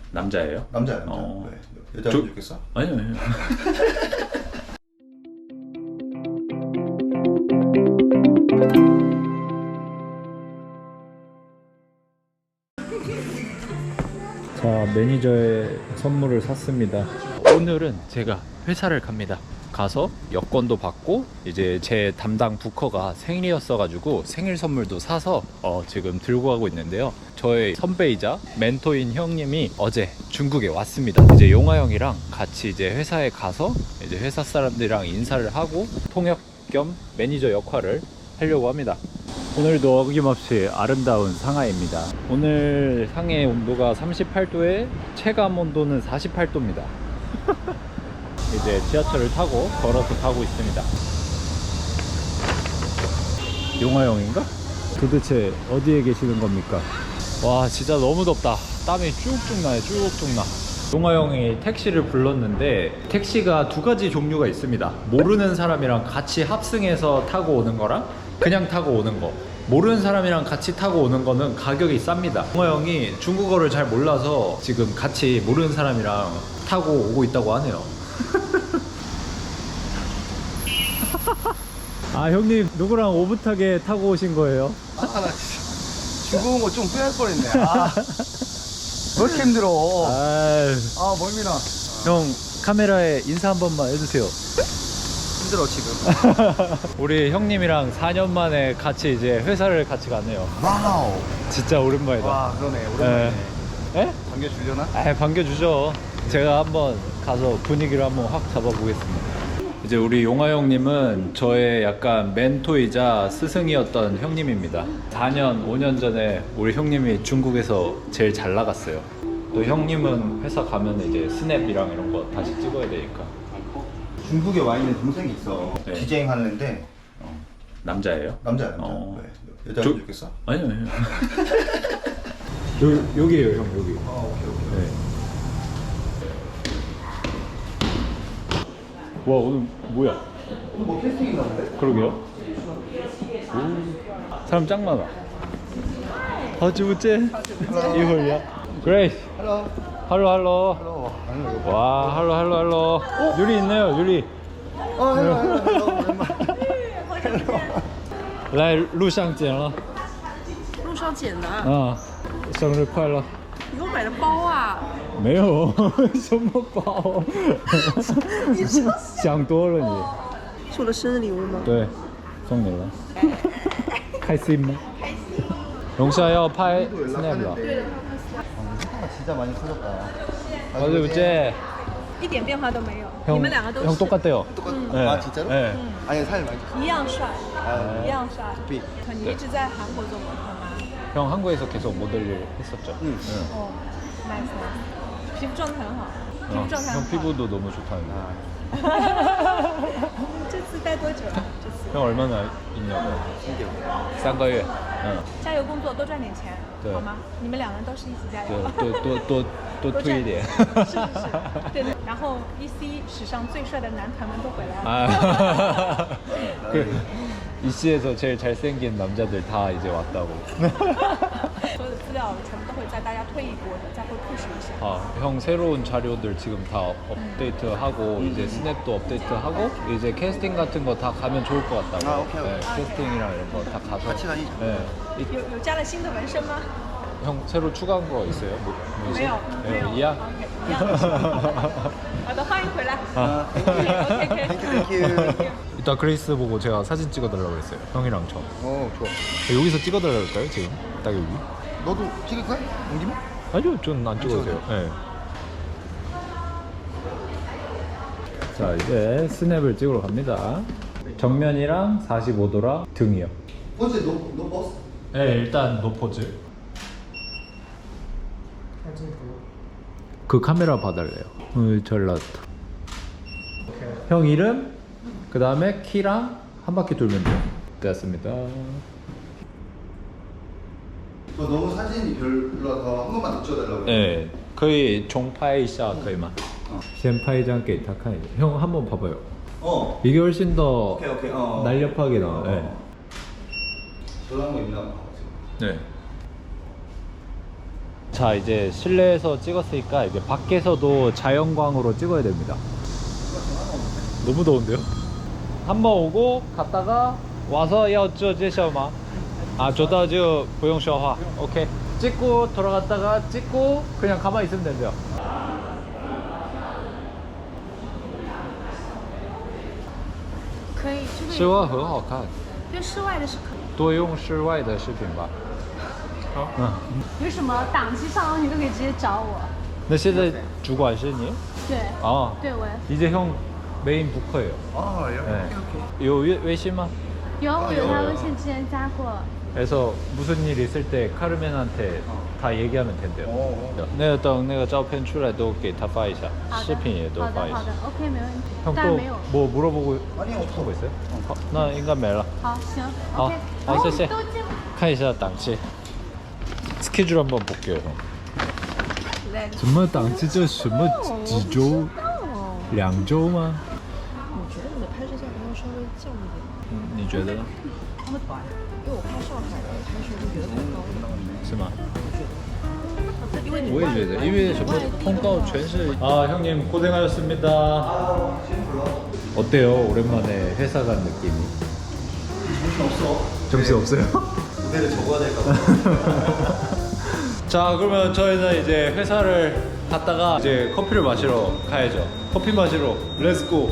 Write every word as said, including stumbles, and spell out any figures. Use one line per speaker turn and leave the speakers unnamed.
남자예요?
남자야, 남자.
어.
왜? 여자면
저-
좋겠어?
아니요, 아니요. 자, 매니저의 선물을 샀습니다. 오늘은 제가 회사를 갑니다. 가서 여권도 받고 이제 제 담당 부커가 생일이었어 가지고 생일 선물도 사서 어, 지금 들고 가고 있는데요. 저의 선배이자 멘토인 형님이 어제 중국에 왔습니다. 이제 용화 형이랑 같이 이제 회사에 가서 이제 회사 사람들이랑 인사를 하고 통역 겸 매니저 역할을 하려고 합니다. 오늘도 어김없이 아름다운 상하이입니다. 오늘 상해 온도가 삼십팔 도에 체감 온도는 사십팔 도입니다. 이제 지하철을 타고 걸어서 가고 있습니다. 용화형인가? 도대체 어디에 계시는 겁니까? 와, 진짜 너무 덥다. 땀이 쭉쭉 나요. 쭉쭉 나. 용화형이 택시를 불렀는데 택시가 두 가지 종류가 있습니다. 모르는 사람이랑 같이 합승해서 타고 오는 거랑 그냥 타고 오는 거. 모르는 사람이랑 같이 타고 오는 거는 가격이 쌉니다. 용화형이 중국어를 잘 몰라서 지금 같이 모르는 사람이랑 타고 오고 있다고 하네요. 아, 형님 누구랑 오붓하게 타고 오신 거예요?
아, 나 진짜 중국어 좀 빼할 뻔했네. 아, 왜 이렇게 힘들어?
아,
아, 멀미나.
형 카메라에 인사 한 번만 해주세요.
힘들어 지금.
우리 형님이랑 사 년 만에 같이 이제 회사를 같이 가네요.
와우.
진짜 오랜만이다.
와, 그러네. 오랜만이네.
에?
반겨주려나?
아, 반겨주죠. 제가 한번 가서 분위기를 한번 확 잡아보겠습니다. 이제 우리 용화 형님은 저의 약간 멘토이자 스승이었던 형님입니다. 사 년, 오 년 전에 우리 형님이 중국에서 제일 잘 나갔어요. 또 형님은 회사 가면 이제 스냅이랑 이런 거 다시 찍어야 되니까.
중국에 와 있는 동생이 있어.
네.
디제잉 하는데
어, 남자예요?
남자야, 남자.
어.
왜? 여자면
저-
좋겠어?
아니요, 아니요. 요, 여기에요, 형, 여기.
아, 오케이, 오케이.
네. 와, 오늘 뭐야?
뭐 캐스팅인가 본데?
그러게요. 오, 사람 짱 많아. 하지부째 이홀이야. 그레이스.
헬로.
할로 할로.
헬로. 아니, 이거.
와, 할로 할로 할로. 유리 있네요, 유리.
어, 헬로, 헬로, 헬로. 오랜만에.
来路上捡了
路上捡的，
啊，生日快乐。
你给我买的包啊！
没有什么包，
你说
想多了你。
是我的生日礼物吗？
对，送你了。开心吗？龙虾要拍 snap 了。
아, 진짜 많이 커졌다. 아,
어제 어제
一点变化都没有。
형
你们两个都
형
是
똑같대요.
똑같.
네.
아, 진짜로?
네.
아니, 살 많이 쪘어.
一样帅，
아,
一样帅。
비.
你一直在韩国做模特吗？
형 한국에서 계속 모델 일 했었죠.
응.
哦，nice nice，皮肤状态很好，皮
어,
肤状态
형
很好。
피부도 너무 좋다는데.
这次待多久啊？这次
형 얼마나 있냐고. 삼个月. 응.
加油工作，多赚点钱，
对
好吗？你们两个人都是一起加油。
또또또또또
多
推一点.
是是是，对对。然后 E C 史上最帅的男团们都回来了。
아, 그 이씨에서 제일 잘생긴 남자들 다 이제 왔다고.
所有的资料全部都会在大家退役过的，再会 push 一下。
아, 형 새로운 자료들 지금 다 업데이트하고 이제 스냅도 업데이트하고 이제 캐스팅 같은 거 다 가면 좋을 것 같다고.
아, 오케이, 오케이.
네, 캐스팅이랑 이런 거 다 가서.
같이 다니죠.
네. 이-
有有加了新的纹身吗？
형 새로 추가한 거 있어요? 뭐, 뭐지?
没有，没
네,
有。
이야?
OK，一样的。好的，欢迎回来。
아.
OK OK。
땡큐, 땡큐.
이따 그레이스 보고 제가 사진 찍어달라고 그랬어요. 형이랑 저.
어, 좋아.
여기서 찍어달라고 할까요 지금? 딱 여기?
너도 찍을 거야? 온 김에?
아니요, 전 안 찍어도 돼요. 네. 자, 이제 스냅을 찍으러 갑니다. 정면이랑 사십오 도랑 등이요.
어제 너, 너 버스?
네, 일단 노포즈. 그 카메라 봐달래요. 어, 잘 나왔다. 형 이름, 그 다음에 키랑 한 바퀴 돌면 돼요. 됐습니다.
너 너무 사진이 별로라서 한 번만 더 찍어달라고.
네, 거의 종파이샤 거의만.
어.
先拍一张给他看一下. 형 한번 봐봐요.
어.
이게 훨씬 더
오케이, 오케이. 어.
날렵하게 나와.
어.
네.
저런 거 있나 봐. 지금.
네. 자, 이제 실내에서 찍었으니까 이제 밖에서도 자연광으로 찍어야 됩니다. 너무 더운데요? 한번 오고 갔다가 와서要做介绍吗? 아, 做到就不用说话. 오케이. 찍고 돌아갔다가 찍고 그냥 가만히 있으면 된대요.
可以，这个
室外很好看，
对室外的是可以。
多用室外的视频吧。
好
嗯，
有什么档期上的你都可以直接找我。
那现在主管是你？
对，
아,
对我
이제 형 메인 부커예요.
아, 예.
네.
오케이, 오케이.
요微微信吗?
有我有他微信之前加过。
그래서 무슨 일 있을 때 카르멘한테 다 얘기하면 된대요.
어, 어.
那个等那个照片出来都给他发一下，
好的
视频也都发一下
好的好。的 OK 没问题，
형
但
또
没有。
뭐 물어보고
아니, 없어.
싶은 거 있어요? 어, 나 인간 메라.
好，行
好
OK。
好谢谢
都进。
看一下档期. 스케줄 한번 볼게요, 형.
来，
什么档期？这什么几周？两周吗？
我觉得你的拍摄价格要稍微降一点，
嗯，你觉得呢？
因为我拍上海的拍摄就觉得太高了。
是吗？
因为你
我也觉得，因为什么通告全是아 형님 고생하셨습니다. 어때요? 오랜만에 회사 간 느낌이? 정신 없어요.
무대를 적어야 될까 봐.
자, 그러면 저희는 이제 회사를 갔다가 이제 커피를 마시러 가야죠. 커피 마시러 렛츠고.